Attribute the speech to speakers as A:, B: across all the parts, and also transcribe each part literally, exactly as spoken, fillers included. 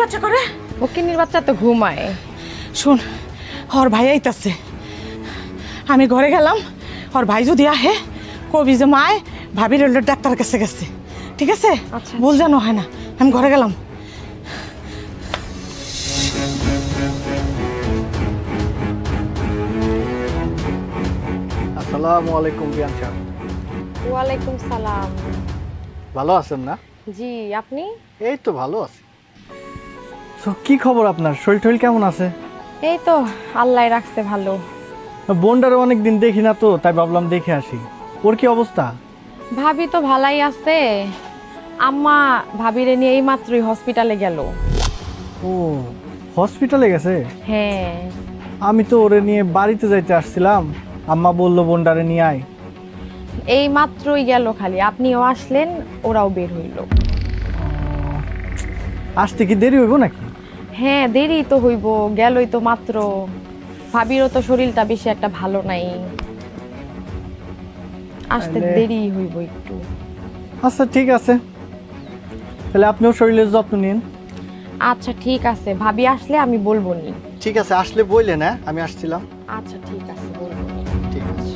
A: বাচ্চা করে?
B: ফকিন্নির বাচ্চা তো ঘুমায়।
A: শুন, ওর ভাই আইতাছে, আমি ঘরে গেলাম। ওর ভাই যদি আহে কবি যে মায় ভাবির ডাক্তার কাছে গেছে, ঠিক আছে?
B: আচ্ছা।
A: ভুল জানো হয় না, আমি ঘরে গেলাম।
C: আসসালামু আলাইকুম বিয়ান সাহেব।
B: ওয়ালাইকুম সালাম।
C: ভালো আছেন না?
B: জি, আপনি?
C: এই তো ভালো আছি। তো কি খবর আপনার? শরীর টরীর কেমন আছে?
B: এই তো আল্লাহ রাখছে ভালো।
C: বোনটারে অনেক দিন দেখি না তো, তাই ভাবলাম দেখে আসি। ওর কি অবস্থা?
B: ভাবি তো ভালাই আছে। আম্মা ভাবিরে নিয়ে এই মাত্রই হসপিটালে গেল।
C: ও, হসপিটালে গেছে?
B: হ্যাঁ।
C: আমি তো ওরে নিয়ে বাড়িতে যাইতে আসছিলাম, আম্মা বললো বোনটারে নিয়ে আয়।
B: এই মাত্রই গেল, খালি আপনিও আসলেন, ওরাও বের হইল।
C: আসতে কি দেরি হইব নাকি?
B: হ্যাঁ, দেরি তো হইব, গেলই তো মাত্র। ভাবিরও তো শরীরটা বেশি একটা ভালো নাই, আসতে
C: তাহলে-
B: দেরি হইব একটু।
C: আচ্ছা ঠিক আছে, তাহলে আপনিও শরীরের যত্ন নিন।
B: আচ্ছা ঠিক আছে, ভাবি আসলে আমি বলবো নি।
C: ঠিক আছে, আসলে বললেন। হ্যাঁ, আমি আসছিলাম।
B: আচ্ছা ঠিক আছে, বলবো নি।
C: ঠিক আছে।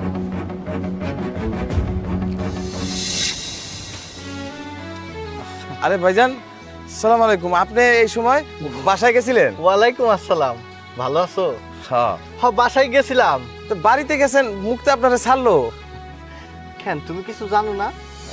D: আরে ভাইজান, সালাম আলাইকুম। আপনি এই সময় বাসায় গেছিলেন?
C: ওয়ালাইকুম আসসালাম। ভালো আছো?
D: হ্যাঁ।
C: হ, বাসায় গেছিলাম।
D: তো বাড়িতে গেছেন, মুখতে আপনারা ছাড়লো?
C: কেন, তুমি কিছু জানো না?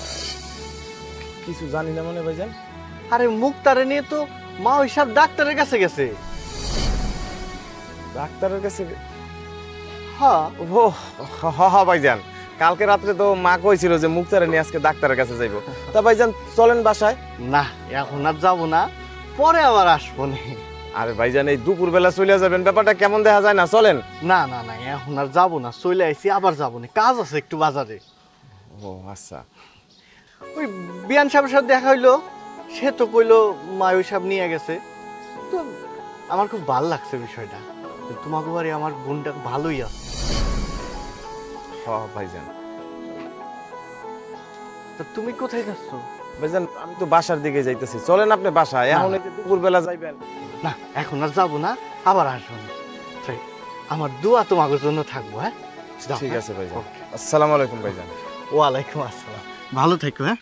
D: কিছু জানি না মানে ভাইজান।
C: আরে মুক্তারে নিয়ে তো মা ওই সব ডাক্তারের কাছে গেছে।
D: ডাক্তারের কাছে?
C: হ্যাঁ।
D: ও হ হ ভাইজান, কালকে রাত্রে তো মা কইছিল যে মুক্তারে নিয়ে আজকে ডাক্তারের কাছে যাইবো। তা ভাইজান চলেন বাসায়।
C: না, এখন আর যাবো না, পরে আবার আসবো নি।
D: আরে ভাইজান, এই দুপুর বেলা চলে যাবেন, ব্যাপারটা কেমন দেখা যায় না? চলেন।
C: না না না, এখন আর যাবো না, চলে আইছি, আবার যাবো না, কাজ আছে একটু বাজারে।
D: ও আচ্ছা।
C: ওই বিয়ান সাহেবের সাথে দেখা হইলো, সে তো কইলো মা ওই সব নিয়ে গেছে। তো আমার খুব ভালো লাগছে বিষয়টা, যে তোমাকে বাড়ি আমার বোনটা ভালোই আছে।
D: হ ভাইজান।
C: তা তুমি কোথায় যাচ্ছ?
D: ভাইজান আমি তো বাসার দিকে যাইতেছি, চলেন আপনি বাসায়। এখন এই যে দুপুর বেলা যাইবেন।
C: না, এখন আর যাবো না, আবার আসবো না। তাই আমার দোয়া তোমাদের জন্য থাকবো। হ্যাঁ, যাও,
D: ঠিক
C: হ্যাঁ?
D: আছে ভাইজান।
C: ওকে।
D: আসসালামু আলাইকুম ভাইজান।
C: ওয়ালাইকুম আসসালাম, ভালো থেকো। হ্যাঁ।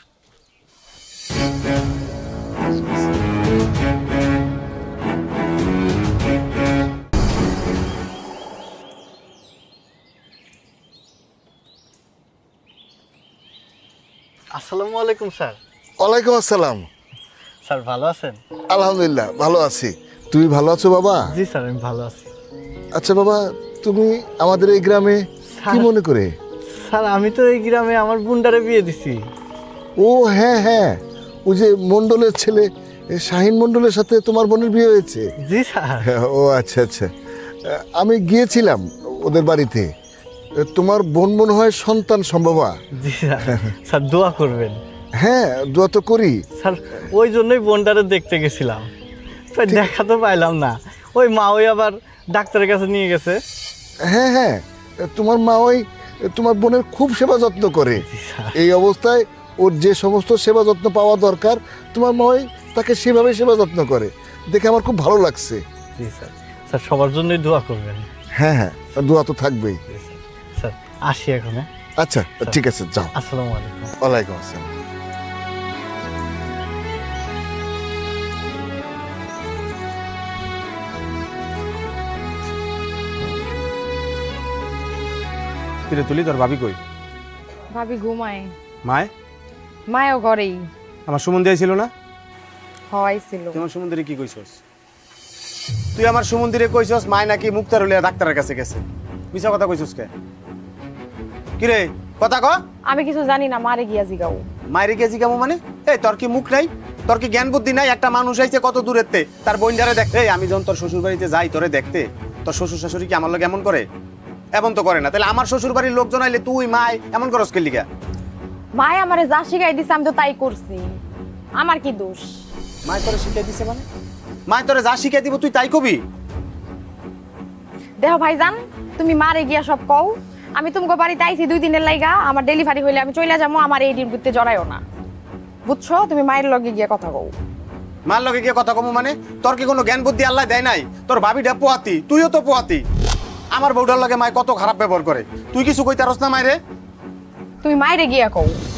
C: আসসালামু আলাইকুম স্যার।
E: ওয়ালাইকুম আসসালাম।
C: স্যার ভালো আছেন?
E: আলহামদুলিল্লাহ ভালো আছি। তুমি ভালো আছো বাবা?
C: জি স্যার, আমি ভালো আছি।
E: আচ্ছা বাবা, তুমি আমাদের এই গ্রামে কি
C: স্যার-
E: মনে করে?
C: স্যার আমি তো এই গ্রামে আমার বোনটারে বিয়ে দিছি।
E: ও হ্যাঁ হ্যাঁ, ওই যে মণ্ডলের ছেলে এ, শাহিন মণ্ডলের সাথে তোমার বোনের বিয়ে হয়েছে।
C: জি স্যার।
E: হ্যাঁ, ও আচ্ছা আচ্ছা। আহ, আমি গিয়েছিলাম ওদের বাড়িতে। এ, তোমার বোন মনে হয় সন্তান সম্ভবা।
C: জি স্যার। স্যার দোয়া করবেন।
E: হ্যাঁ, দোয়া তো করি।
C: স্যার ওই জন্যই বোনটারে দেখতে গেছিলাম, তো দেখা তো পাইলাম না। ওই মা ওই আবার ডাক্তারের কাছে নিয়ে গেছে।
E: হ্যাঁ হ্যাঁ, তোমার মা ওই তোমার বোনের খুব সেবা যত্ন করে।
C: জি স্যার।
E: এই অবস্থায় ওর যে সমস্ত সেবা যত্ন পাওয়া দরকার তোমার মা ওই তাকে সেভাবে সেবা যত্ন করে, দেখে আমার খুব ভালো লাগছে।
C: জি স্যার। স্যার সবার জন্যই দোয়া করবেন।
E: হ্যাঁ হ্যাঁ, দোয়া তো থাকবেই।
C: জি স্যার। স্যার আসি এখন। হ্যাঁ,
E: আচ্ছা ঠিক আছে, যাও।
C: আসসালামু আলাইকুম।
E: ওয়ালাইকুম আসসালাম।
D: কিরে তুলি, তোর ভাবি কই?
B: ভাবি ঘুমায়।
D: মায়?
B: মায়ও ঘরেই।
D: আমার সুমন দিয়েছিল না?
B: হওয়াইছিল।
D: তুই আমার সুমন্দিরে কি কইছস? তুই আমার সুমন্দিরে কইছস মায় নাকি মুক্তার হলে ডাক্তারের কাছে গেছে। মিছা কথা কইছস কে? কিরে কথা ক।
B: আমি কিছু জানি না, মারে গিয়া জিগাও।
D: মায়ের গেছি কেমন মানে? এই তোর কি মুখ নাই? তোর কি জ্ঞান বুদ্ধি নাই? একটা মানুষ আইছে কত দূরেতে, তার বোনজারে দেখতে। এই আমি যখন তোর শ্বশুর বাড়িতে যাই তোরে দেখতে, তোর শ্বশুর শাশুড়ি কি আমার লোক এমন করে? এমন তো করে না। তাহলে আমার শ্বশুর বাড়ির লোকজন আইলে তুই মায় এমন করস কে লিগা?
B: মায়ে আমারে যা শিখাই দিছে আমি তো তাই করছি, আমার কি দোষ?
D: মায় তোরে শিখাই দিছে মানে? মায় তোরে যা শিখাই দিব তুই তাই কবি?
B: দেখো ভাইজান, তুমি মারে গিয়া সব কও। আমি তোমাকে বাড়িতে আইছি দুই দিনের লাইগা, আমার ডেলিভারি হইলে আমি চলে যাবো, আমার এই ডিউটিতে জড়াইও না, বুঝছো? তুমি মায়ের লগে গিয়া কথা কও।
D: মার লগে গিয়ে কথা কমু মানে তোর কি কোনো জ্ঞান বুদ্ধি আল্লাহ দেয় নাই? তোর ভাবিটা পোয়াতি, তুইও তো পোয়াতি। আমার বউটার লগে মায় কত খারাপ ব্যবহার করে, তুই কিছু কইতারস না মায়েরে?
B: তুমি মাইরে গিয়া কও